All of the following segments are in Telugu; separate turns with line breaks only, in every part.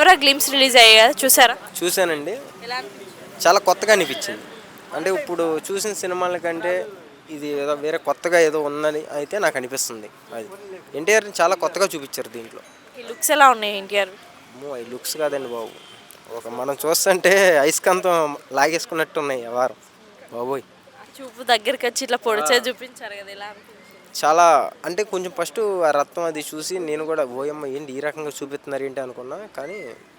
దేవరా గ్లిమ్స్ రిలీజ్ అయ్యాయి కదా, చూసారా?
చూశానండి.
ఎలా అనిపించింది?
చాలా కొత్తగా అనిపించింది. అంటే ఇప్పుడు చూసిన సినిమాల కంటే ఇది ఏదో వేరే కొత్తగా ఏదో ఉందని అయితే నాకు అనిపిస్తుంది. అది ఎన్టీఆర్ని చాలా కొత్తగా చూపించారు దీంట్లో.
ఈ లుక్స్ ఎలా ఉన్నాయి ఎన్టీఆర్?
అమ్మో ఈ లుక్స్ కాదండి బాబు, ఒక మనం చూస్తుంటే అయస్కాంతం లాగేసుకున్నట్టు ఉన్నాయి వారం బాబోయ్.
చూపు దగ్గరికి వచ్చి ఇట్లా పొడిచే చూపించారు కదా, ఎలా అనిపించింది?
చాలా అంటే కొంచెం ఫస్ట్ ఆ రక్తం అది చూసి నేను కూడా ఓయమ్మ ఏంటి ఈ రకంగా చూపిస్తున్నారు ఏంటి అనుకున్నా. కానీ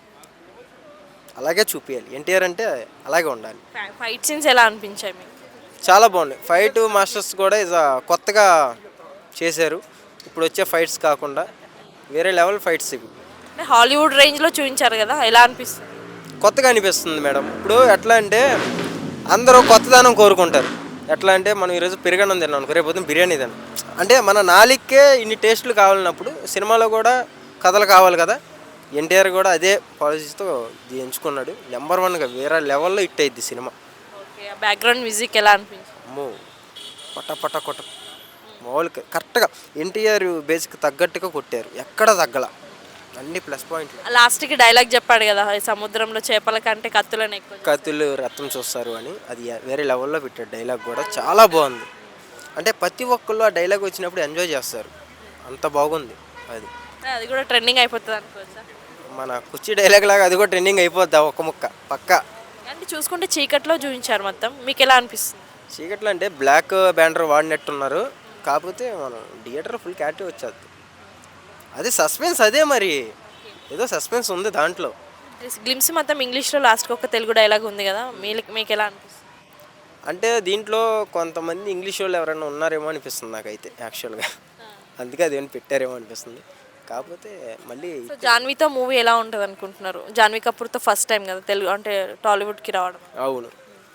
అలాగే చూపించాలి, ఎన్టీఆర్ అంటే అలాగే ఉండాలి.
ఫైట్ సీన్స్ ఎలా అనిపించాయి మీకు?
చాలా బాగున్నాయి. ఫైట్ మాస్టర్స్ కూడా కొత్తగా చేశారు. ఇప్పుడు వచ్చే ఫైట్స్ కాకుండా వేరే లెవెల్ ఫైట్స్ ఇవి.
అంటే హాలీవుడ్ రేంజ్లో చూపించారు కదా, ఎలా అనిపిస్తుంది?
కొత్తగా అనిపిస్తుంది మేడం. ఇప్పుడు ఎట్లా అంటే అందరూ కొత్తదనం కోరుకుంటారు. ఎట్లా అంటే మనం ఈరోజు పెరుగన్నం తిన్నాం అనుకో, రేపు పొద్దున్న బిర్యానీ తిన్నాం. అంటే మన నాలుగుకే ఇన్ని టేస్టులు కావాలన్నప్పుడు సినిమాలో కూడా కథలు కావాలి కదా. ఎన్టీఆర్ కూడా అదే పాలసీతో ఎంచుకున్నాడు. నెంబర్ 1గా వేరే లెవెల్లో హిట్ అయ్యిద్ది సినిమా.
ఓకే, బ్యాక్గ్రౌండ్ మ్యూజిక్ ఎలా అనిపించింది?
అమ్మో పట పట కొట్ట మామూలుగా కరెక్ట్గా ఎన్టీఆర్ బేసిక్ తగ్గట్టుగా కొట్టారు, ఎక్కడ తగ్గల, అన్ని ప్లస్ పాయింట్లు.
లాస్ట్కి డైలాగ్ చెప్పాడు కదా, ఈ సముద్రంలో చేపల కంటే కత్తులను ఎక్కువ
కత్తులు రక్తం చూస్తారు అని, అది వేరే లెవెల్లో పెట్టాడు. డైలాగ్ కూడా చాలా బాగుంది. అంటే ప్రతి ఒక్కళ్ళు ఆ డైలాగ్ వచ్చినప్పుడు ఎంజాయ్ చేస్తారు, అంత బాగుంది అది.
అది కూడా ట్రెండింగ్ అయిపోతుంది అనుకోవచ్చా?
మన కుర్చీ డైలాగ్ లాగా అది కూడా ట్రెండింగ్ అయిపోద్ది ఒక్క ముక్క పక్కా.
అంటే చూసుకుంటే చీకట్లో చూపించారు మొత్తం, మీకు ఎలా అనిపిస్తుంది?
చీకట్లో అంటే బ్లాక్ బ్యానర్ వాడినట్టున్నారు, కాకపోతే మనం థియేటర్ ఫుల్ క్యాటివ్ వచ్చేది. అది సస్పెన్స్, అదే మరి ఏదో సస్పెన్స్ ఉంది దాంట్లో.
గ్లిమ్స్ మొత్తం ఇంగ్లీష్లో లాస్ట్కి ఒక తెలుగు డైలాగ్ ఉంది కదా, మీకు ఎలా అనిపిస్తుంది?
అంటే దీంట్లో కొంతమంది ఇంగ్లీష్ వాళ్ళు ఎవరైనా ఉన్నారేమో అనిపిస్తుంది నాకైతే యాక్చువల్గా, అందుకే అదేమైనా పెట్టారేమో అనిపిస్తుంది. కాకపోతే మళ్ళీ
జాన్వీతో మూవీ ఎలా ఉంటుంది అనుకుంటున్నారు? జాన్వీ కపూర్తో ఫస్ట్ టైం కదా తెలుగు అంటే టాలీవుడ్కి రావడం.
అవును,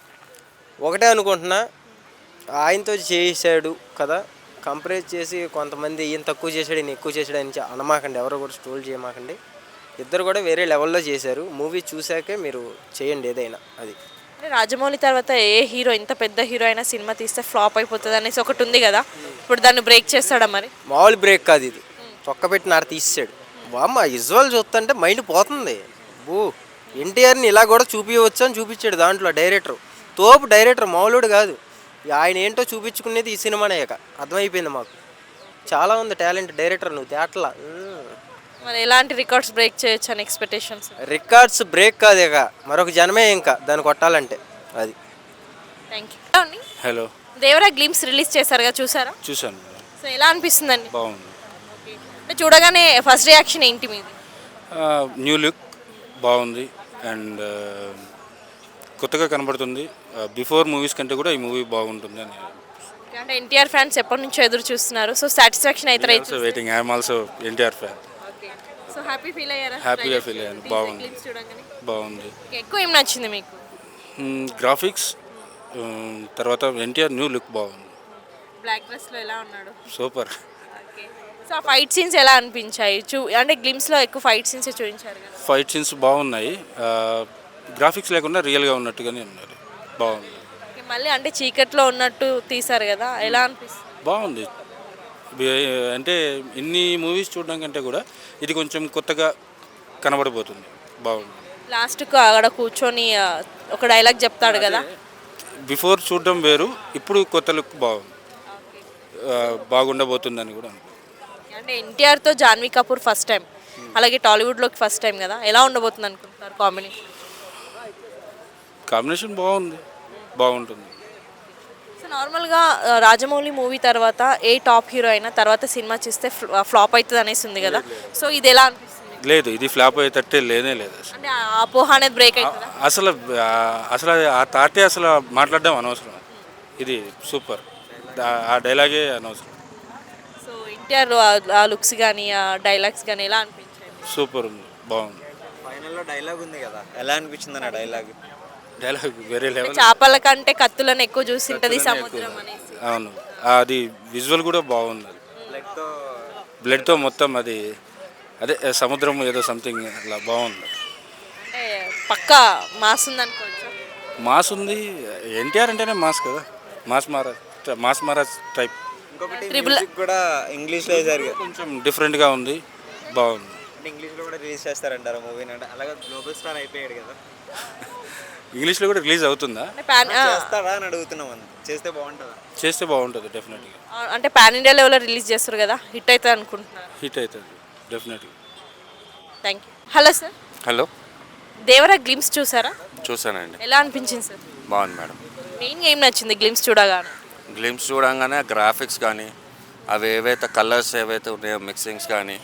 ఒకటే అనుకుంటున్నా, ఆయనతో చేశాడు కదా, కంపేర్ చేసి కొంతమంది ఈయన తక్కువ చేశాడు ఈయన ఎక్కువ చేశాడు అని అనమాకండి, ఎవరు కూడా స్టోల్ చేయమాకండి. ఇద్దరు కూడా వేరే లెవెల్లో చేశారు. మూవీ చూశాకే మీరు చేయండి ఏదైనా. అది
అంటే రాజమౌళి తర్వాత ఏ హీరో, ఇంత పెద్ద హీరో అయినా సినిమా తీస్తే ఫ్లాప్ అయిపోతుంది అనేసి ఒకటి ఉంది కదా, ఇప్పుడు దాన్ని బ్రేక్ చేస్తాడా మరి?
మామూలు బ్రేక్ కాదు ఇది, చొక్క పెట్టి నాడు తీసాడు. బామ్మ విజువల్ చూస్తుంటే మైండ్ పోతుంది. బూ ఎన్టీఆర్ని ఇలా కూడా చూపించవచ్చు అని చూపించాడు దాంట్లో డైరెక్టర్. తోపు డైరెక్టర్, మామూలుడు కాదు. ఆయన ఏంటో చూపించుకునేది ఈ సినిమానే ఇక అర్థమైపోయింది మాకు. చాలా ఉంది టాలెంట్ డైరెక్టర్, నువ్వు తేటలా.
మరి ఎలాంటి రికార్డ్స్ బ్రేక్ చేయొచ్చు అని ఎక్స్పెక్టేషన్స్?
రికార్డ్స్ బ్రేక్ కాదు ఇక, మరొక జనమే ఇంకా దాన్ని కొట్టాలంటే. అది
thank you.
Hello,
Devara glimpse release చేశారు కదా, చూసారా?
చూశాను.
సో ఎలా అనిపిస్తుందండి?
బాగుంది.
అంటే చూడగానే ఫస్ట్ రియాక్షన్ ఏంటి మీది?
న్యూ లుక్ బాగుంది అండ్ కొత్తగా కనబడుతుంది. బిఫోర్ మూవీస్ కంటే కూడా ఈ మూవీ బాగుంటుంది అని.
అంటే ఎన్టీఆర్ ఫ్యాన్స్ ఎప్పటి నుంచో ఎదురు చూస్తున్నారు, సో సాటిస్ఫాక్షన్ అయితే
waiting. I'm also NTR fan.
So happy feel అయ్యారా?
హ్యాపీగా ఫీల్ అయ్యాను. బాగుంది, బాగుంది.
ఎక్కువ ఏం నచ్చింది మీకు?
గ్రాఫిక్స్, తర్వాత ఎన్టీఆర్ న్యూ లుక్ బాగుంది.
బ్లాక్ డ్రెస్లో ఎలా ఉన్నాడు?
సూపర్.
సో ఆ ఫైట్ సీన్స్ ఎలా అనిపించాయి? అంటే గ్లిమ్స్లో ఎక్కువ ఫైట్ సీన్స్ చూపించారు కదా.
ఫైట్ సీన్స్ బాగున్నాయి, గ్రాఫిక్స్ లేకుండా రియల్గా ఉన్నట్టుగానే ఉన్నారు. బాగుంది.
మళ్ళీ అంటే చీకట్లో ఉన్నట్టు తీశారు కదా, ఎలా అనిపిస్తుంది?
బాగుంది. అంటే ఇన్ని మూవీస్ చూడడం కంటే కూడా ఇది కొంచెం కొత్తగా కనబడిపోతుంది. బాగుంది.
లాస్ట్కు అక్కడ కూర్చొని ఒక డైలాగ్ చెప్తాడు కదా,
బిఫోర్ చూడడం వేరు, ఇప్పుడు కొత్త లుక్ బాగుంది, బాగుండబోతుందని కూడా.
అంటే ఎన్టీఆర్తో జాన్వీ కపూర్ ఫస్ట్ టైం, అలాగే టాలీవుడ్లోకి ఫస్ట్ టైం కదా, ఎలా ఉండబోతుంది అనుకుంటున్నారు కాంబినేషన్?
కాంబినేషన్ బాగుంది, బాగుంటుంది.
సో నార్మల్గా రాజమౌళి మూవీ తర్వాత ఏ టాప్ హీరో అయినా తర్వాత సినిమా చూస్తే ఫ్లాప్ అవుతుంది అనేసి ఉంది కదా, సో ఇది ఎలా అనిపిస్తుంది?
లేదు, ఇది ఫ్లాప్ అయ్యేటట్టే లేనే లేదు.
అంటే ఆ అపోహ అనేది బ్రేక్ అవుతుందా?
అసలు ఆ తాటే అసలు మాట్లాడడం అనవసరం. ఇది సూపర్, ఆ డైలాగే అనవసరం.
సో ఎన్టీఆర్ ఆ లుక్స్ కానీ ఆ డైలాగ్స్ కానీ ఎలా అనిపించాయి?
సూపర్ ఉంది, బాగుంది.
ఫైనల్లో డైలాగ్ ఉంది కదా, ఎలా అనిపించింది అన్న డైలాగ్?
డైలాగ్ వేరే లెవెల్.
చేపల కంటే కత్తులను ఎక్కువ చూసింటది సముద్రం అనేసి.
అవును, అది విజువల్ కూడా బాగుంది. బ్లడ్తో మొత్తం అది అదే సముద్రం ఏదో సంథింగ్ అట్లా బాగుంది.
అంటే పక్కా మాస్ ఉంది అనుకోవచ్చు.
మాస్ ఉంది, ఎన్టీఆర్ అంటేనే మాస్ కదా, మాస్ మహారాజ్ టైప్.
ఇంకొకటి మ్యూజిక్ కూడా ఇంగ్లీష్లో వేశారు కదా,
కొంచెం డిఫరెంట్గా ఉంది, బాగుంది.
అంటే ఇంగ్లీష్లో కూడా రిలీజ్ చేస్తారంటారు మూవీని, అంటే అలాగే గ్లోబల్ స్టార్ అయిపోయాడు కదా.
ఇంగ్లీష్లో కూడా రిలీజ్ అవుతుందా?
అంటే పాన్
చేస్తారా అని అడుగుతున్నాం, చేస్తే బాగుంటుందా?
చేస్తే బాగుంటుంది డెఫినెట్గా.
అంటే పాన్ ఇండియా లెవెల్లో రిలీజ్ చేస్తారు కదా, హిట్ అవుతుంది అనుకుంటున్నారు.
హిట్ అవుతుంది డెఫినెట్గా.
Thank you. Hello sir,
hello,
Devara glimpse చూసారా?
చూసానండి.
ఎలా అనిపించింది సార్?
బాగుంది మేడం.
మెయిన్గా ఏం నచ్చింది గ్లిమ్స్ చూడగానే?
గ్లిమ్స్ చూడంగానే గ్రాఫిక్స్ కానీ అవి ఏవైతే కలర్స్ ఏవైతే ఉన్నాయో మిక్సింగ్స్ కానీ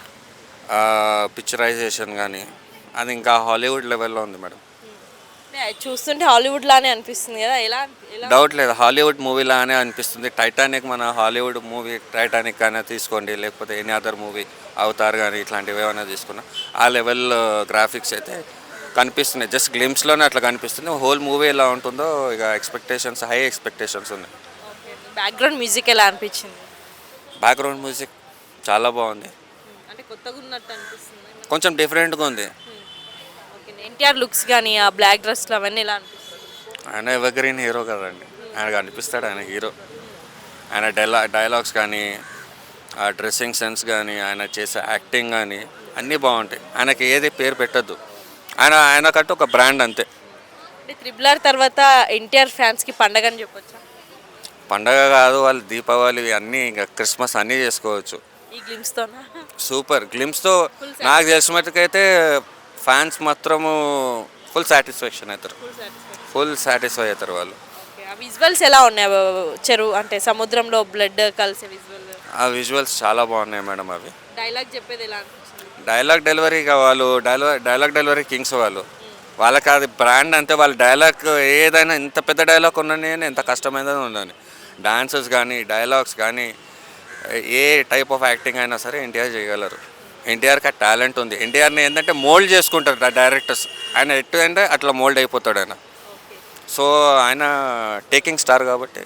పిక్చరైజేషన్ కానీ అది ఇంకా హాలీవుడ్ లెవెల్లో ఉంది మేడం.
అంటే అది చూస్తుంటే హాలీవుడ్ లానే అనిపిస్తుంది కదా, ఎలా ఎలా
డౌట్ లేదు, హాలీవుడ్ మూవీలానే అనిపిస్తుంది. టైటానిక్ మన హాలీవుడ్ మూవీ టైటానిక్ అయినా తీసుకోండి, లేకపోతే ఎనీ అదర్ మూవీ అవతార్ కానీ ఇట్లాంటివి ఏమైనా తీసుకున్నా ఆ లెవెల్ గ్రాఫిక్స్ అయితే కనిపిస్తున్నాయి. జస్ట్ గ్లిమ్స్లోనే అట్లా కనిపిస్తుంది. హోల్ మూవీ ఎలా ఉంటుందో ఇక ఎక్స్పెక్టేషన్స్, హై ఎక్స్పెక్టేషన్స్ ఉన్నాయి.
బ్యాక్గ్రౌండ్ మ్యూజిక్ ఎలా అనిపించింది?
బ్యాక్గ్రౌండ్ మ్యూజిక్ చాలా బాగుంది,
అంటే కొత్తగా ఉన్నట్టు అనిపిస్తుంది.
కొంచెం డిఫరెంట్గా ఉంది.
ఓకే, ఎన్టీఆర్ లుక్స్ కానీ ఆ బ్లాక్ డ్రెస్లు అవన్నీ ఎలా అనిపిస్తుంది?
ఆయన ఎవర్గ్రీన్ హీరో కదండి, ఆయన కనిపిస్తాడు, ఆయన హీరో. ఆయన డైలాగ్స్ కానీ ఆ డ్రెస్సింగ్ సెన్స్ కానీ ఆయన చేసే యాక్టింగ్ కానీ అన్నీ బాగుంటాయి. ఆయనకి ఏది పేరు పెట్టద్దు, ఆయనకంటూ ఒక బ్రాండ్ అంతే.
అంటే త్రిబుల్ తర్వాత ఎన్టీఆర్ ఫ్యాన్స్కి పండగ అని చెప్పొచ్చా?
పండగ కాదు, వాళ్ళు దీపావళి అన్నీ ఇంకా క్రిస్మస్ అన్నీ చేసుకోవచ్చు.
ఈ గ్లిమ్స్తోనా?
సూపర్. గ్లిమ్స్తో నాకు తెలిసిన మటుకైతే ఫ్యాన్స్ మాత్రము ఫుల్ సాటిస్ఫాక్షన్ అవుతారు, ఫుల్ సాటిస్ఫై అవుతారు వాళ్ళు.
ఆ విజువల్స్ ఎలా ఉన్నాయి? చెరువు అంటే సముద్రంలో బ్లడ్ కలిసే విజువల్,
ఆ విజువల్స్ చాలా బాగున్నాయి మేడం. అవి
డైలాగ్ చెప్పేది ఎలా అనిపించింది?
డైలాగ్ డెలివరీగా వాళ్ళు డైలాగ్ డెలివరీ కింగ్స్ వాళ్ళకి అది బ్రాండ్ అంతే. వాళ్ళ డైలాగ్ ఏదైనా ఎంత పెద్ద డైలాగ్ ఉండని, ఎంత కష్టమైనది ఉండని, డాన్సెస్ కానీ డైలాగ్స్ కానీ ఏ టైప్ ఆఫ్ యాక్టింగ్ అయినా సరే ఎన్టీఆర్ చేయగలరు. ఎన్టీఆర్కి ఆ టాలెంట్ ఉంది. ఎన్టీఆర్ని ఏంటంటే మోల్డ్ చేసుకుంటారు డైరెక్టర్స్. ఆయన ఎట్టు అంటే అట్లా మోల్డ్ అయిపోతాడు ఆయన. సో ఆయన టేకింగ్ స్టార్ కాబట్టి.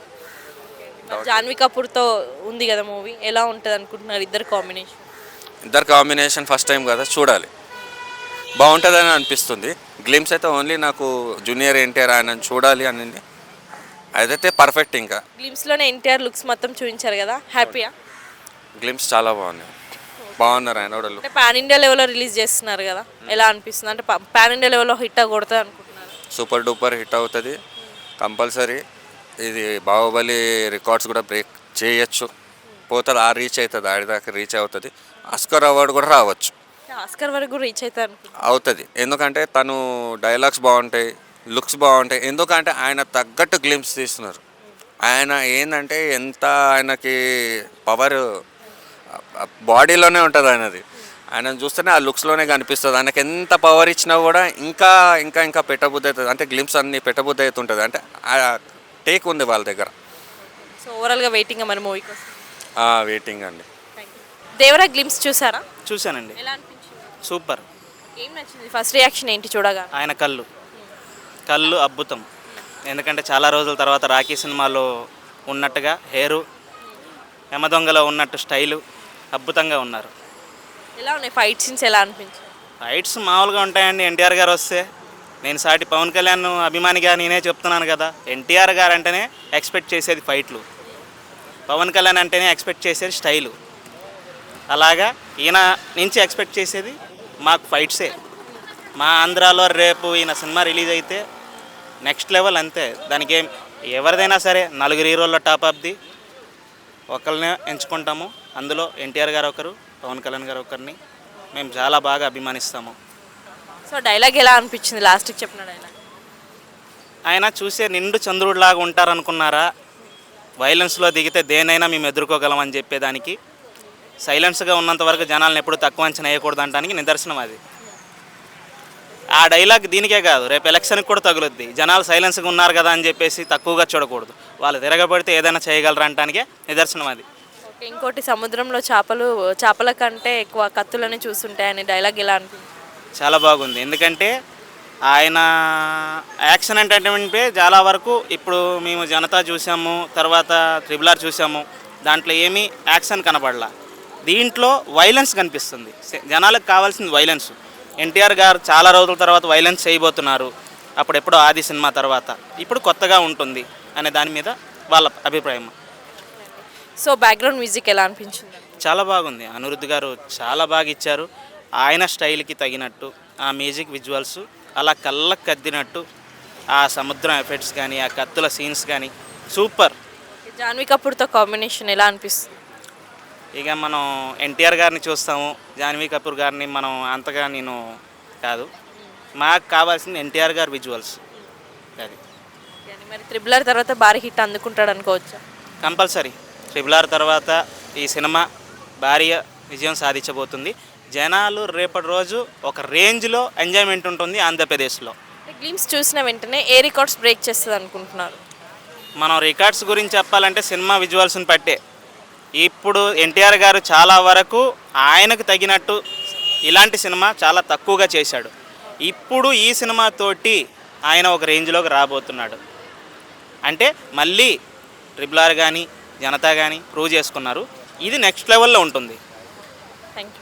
జాన్వీ కపూర్తో ఉంది కదా మూవీ, ఎలా ఉంటుంది అనుకుంటున్నారు ఇద్దరు కాంబినేషన్?
ఇద్దరు కాంబినేషన్ ఫస్ట్ టైం కదా, చూడాలి, బాగుంటుందని అనిపిస్తుంది. గ్లిమ్స్ అయితే ఓన్లీ నాకు జూనియర్ ఎన్టీఆర్ ఆయన చూడాలి అనింది, అదైతే పర్ఫెక్ట్. ఇంకా
గ్లిమ్స్లోనే ఎన్టీఆర్ లుక్స్ మొత్తం చూపించారు కదా, హ్యాపీయా?
గ్లిమ్స్ చాలా బాగున్నారు ఆయన కూడా.
అంటే పాన్ ఇండియా లెవెల్లో రిలీజ్ చేస్తున్నారు కదా, ఎలా అనిపిస్తుంది? అంటే పాన్ ఇండియా లెవెల్లో హిట్ కొడుతుంది అనుకుంటున్నారు?
సూపర్ డూపర్ హిట్ అవుతుంది కంపల్సరీ. ఇది బాహుబలి రికార్డ్స్ కూడా బ్రేక్ చేయొచ్చు, పోతుంది, రీచ్ అవుతుంది, ఆడిదాకా రీచ్ అవుతుంది. ఆస్కర్ అవార్డు కూడా రావచ్చు,
ఆస్కర్ వరకు రీచ్
అవుతుంది. ఎందుకంటే తను డైలాగ్స్ బాగుంటాయి, లుక్స్ బాగుంటాయి. ఎందుకంటే ఆయన తగ్గట్టు గ్లిమ్స్ తీస్తున్నారు. ఆయన ఏంటంటే ఎంత ఆయనకి పవర్ బాడీలోనే ఉంటుంది ఆయనది. ఆయన చూస్తేనే ఆ లుక్స్లోనే కనిపిస్తుంది. ఆయనకి ఎంత పవర్ ఇచ్చినా కూడా ఇంకా ఇంకా ఇంకా పెట్టబుద్ధి అవుతుంది. అంటే గ్లిమ్స్ అన్ని పెట్టబుద్ధి అవుతుంటుంది. అంటే టేక్ ఉంది వాళ్ళ దగ్గర.
సో ఓవరాల్గా వెయిటింగ్ మన మూవీ కోసం.
వెయిటింగ్ అండి.
దేవరా గ్లిమ్స్ చూసారా?
చూశానండి,
ఎలా అనిపించింది?
సూపర్.
ఏం నచ్చింది? ఫస్ట్ రియాక్షన్ ఏంటి చూడగా?
ఆయన కళ్ళు అద్భుతం. ఎందుకంటే చాలా రోజుల తర్వాత రాఖీ సినిమాలో ఉన్నట్టుగా హెయిరు, యమదొంగలో ఉన్నట్టు స్టైలు అద్భుతంగా ఉన్నారు.
ఎలా ఉన్నాయి ఫైట్ సీన్స్? ఎలా అనిపించింది?
ఫైట్స్ మామూలుగా ఉంటాయండి. ఎన్టీఆర్ గారు వస్తే, నేను సాటి పవన్ కళ్యాణ్ అభిమానిగా నేనే చెప్తున్నాను కదా, ఎన్టీఆర్ గారు అంటేనే ఎక్స్పెక్ట్ చేసేది ఫైట్లు, పవన్ కళ్యాణ్ అంటేనే ఎక్స్పెక్ట్ చేసేది స్టైలు. అలాగా ఈయన నుంచి ఎక్స్పెక్ట్ చేసేది మాకు ఫైట్సే. మా ఆంధ్రాలో రేపు ఈయన సినిమా రిలీజ్ అయితే నెక్స్ట్ లెవెల్ అంతే. దానికి ఎవరిదైనా సరే నలుగురు హీరోల్లో టాప్ ఆఫ్ ది ఒకరినే ఎంచుకుంటాము. అందులో ఎన్టీఆర్ గారు ఒకరు, పవన్ కళ్యాణ్ గారు ఒకరిని మేము చాలా బాగా అభిమానిస్తాము.
సో డైలాగ్ ఎలా అనిపించింది? లాస్ట్కి చెప్పిన డైలాగ్.
ఆయన చూసే నిండు చంద్రుడిలాగా ఉంటారనుకున్నారా? వైలెన్స్లో దిగితే దేనైనా మేము ఎదుర్కోగలమని చెప్పేదానికి, సైలెన్స్గా ఉన్నంత వరకు జనాలను ఎప్పుడు తక్కువ అంచనా వేయకూడదు అనడానికి నిదర్శనం అది. ఆ డైలాగ్ దీనికే కాదు, రేపు ఎలక్షన్కి కూడా తగులుద్ది. జనాలు సైలెన్స్గా ఉన్నారు కదా అని చెప్పేసి తక్కువగా చూడకూడదు, వాళ్ళు తిరగబడితే ఏదైనా చేయగలరా అనడానికే నిదర్శనం అది.
ఓకే, ఇంకోటి సముద్రంలో చేపల కంటే ఎక్కువ కత్తులని చూస్తుంటాయని డైలాగ్ ఎలా అనిపించింది?
చాలా బాగుంది. ఎందుకంటే ఆయన యాక్షన్ ఎంటర్టైన్మెంట్ చాలా వరకు ఇప్పుడు మేము జనతా చూసాము, తర్వాత త్రిబుల్ ఆర్ చూసాము, దాంట్లో ఏమీ యాక్షన్ కనపడలా. దీంట్లో వైలెన్స్ కనిపిస్తుంది. జనాలకు కావాల్సింది వైలెన్స్. ఎన్టీఆర్ గారు చాలా రోజుల తర్వాత వైలెన్స్ చేయబోతున్నారు. అప్పుడెప్పుడో ఆది సినిమా తర్వాత ఇప్పుడు కొత్తగా ఉంటుంది అనే దాని మీద వాళ్ళ అభిప్రాయం.
సో బ్యాక్గ్రౌండ్ మ్యూజిక్ ఎలా అనిపించింది?
చాలా బాగుంది. అనిరుద్ధ్ గారు చాలా బాగా ఇచ్చారు. ఆయన స్టైల్కి తగినట్టు ఆ మ్యూజిక్ విజువల్స్ అలా కళ్ళకు కద్దినట్టు ఆ సముద్రం ఎఫెక్ట్స్ కానీ ఆ కత్తుల సీన్స్ కానీ సూపర్.
జాన్వీ కపూర్తో కాంబినేషన్ ఎలా అనిపిస్తుంది?
ఇక మనం ఎన్టీఆర్ గారిని చూస్తాము, జాన్వీ కపూర్ గారిని మనం అంతగా నేను కాదు. మాకు కావాల్సింది ఎన్టీఆర్ గారి విజువల్స్. అది
కానీ మరి త్రిబుల్ ఆర్ తర్వాత భారీ హిట్ అందుకుంటాడు అనుకోవచ్చా?
కంపల్సరీ. ట్రిపుల్ ఆర్ తర్వాత ఈ సినిమా భారీ విజయం సాధించబోతుంది. జనాలు రేపటి రోజు ఒక రేంజ్లో ఎంజాయ్మెంట్ ఉంటుంది ఆంధ్రప్రదేశ్లో.
గ్లిమ్స్ చూసిన వెంటనే ఏ రికార్డ్స్ బ్రేక్ చేస్తుంది అనుకుంటున్నారు?
మనం రికార్డ్స్ గురించి చెప్పాలంటే సినిమా విజువల్స్ని పట్టే. ఇప్పుడు ఎన్టీఆర్ గారు చాలా వరకు ఆయనకు తగినట్టు ఇలాంటి సినిమా చాలా తక్కువగా చేశాడు. ఇప్పుడు ఈ సినిమాతోటి ఆయన ఒక రేంజ్లోకి రాబోతున్నాడు. అంటే మళ్ళీ ట్రిపుల్ ఆర్ కానీ జనతా కానీ ప్రూవ్ చేసుకున్నారు. ఇది నెక్స్ట్ లెవెల్లో ఉంటుంది.
Thank you.